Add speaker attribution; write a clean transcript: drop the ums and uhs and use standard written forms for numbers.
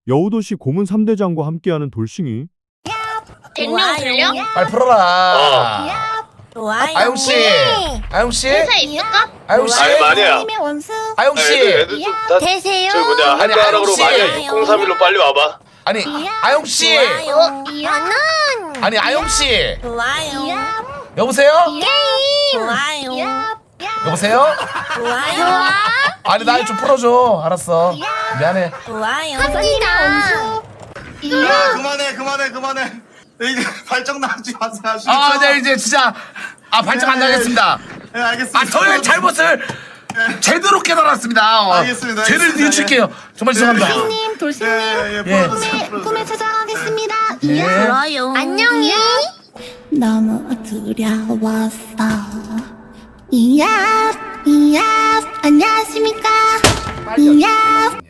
Speaker 1: 여우도시 고문 3대장과 함께하는 돌싱이.
Speaker 2: 댕룡 들려?
Speaker 3: 빨리 풀어라.
Speaker 4: 좋아요.
Speaker 3: 아용씨, 아용씨,
Speaker 2: 회사 있을까?
Speaker 3: 아용씨,
Speaker 5: 아이 마니야.
Speaker 3: 아용씨.
Speaker 5: 애들 좀다
Speaker 4: 되세요?
Speaker 5: 저 뭐냐
Speaker 3: 아니,
Speaker 5: 한자락으로
Speaker 3: 아저씨.
Speaker 5: 마니아 6031로 빨리 와봐.
Speaker 3: 아니, 아용씨.
Speaker 4: 나는
Speaker 3: 아니, 아용씨.
Speaker 4: 좋아요.
Speaker 3: 여보세요?
Speaker 4: 좋아요.
Speaker 3: 여보세요?
Speaker 4: 좋아요.
Speaker 3: 아니, 나 좀 풀어줘. 알았어. 미안해.
Speaker 4: 좋아요.
Speaker 6: 야 그만해 이제 발정 나지 마세요.
Speaker 3: 아, 네, 이제 진짜. 발정 안 나겠습니다.
Speaker 6: 네 알겠습니다.
Speaker 3: 저의 잘못을 제대로 깨달았습니다.
Speaker 6: 알겠습니다,
Speaker 3: 죄를
Speaker 6: 알겠습니다.
Speaker 3: 뉘칠게요. 정말 죄송합니다.
Speaker 6: 돌싱님
Speaker 3: 예.
Speaker 6: 꿈에
Speaker 7: 찾아가겠습니다.
Speaker 3: 예.
Speaker 4: 좋아요.
Speaker 7: 안녕히. 너무 두려웠어. 이야, 안녕하십니까? 이야,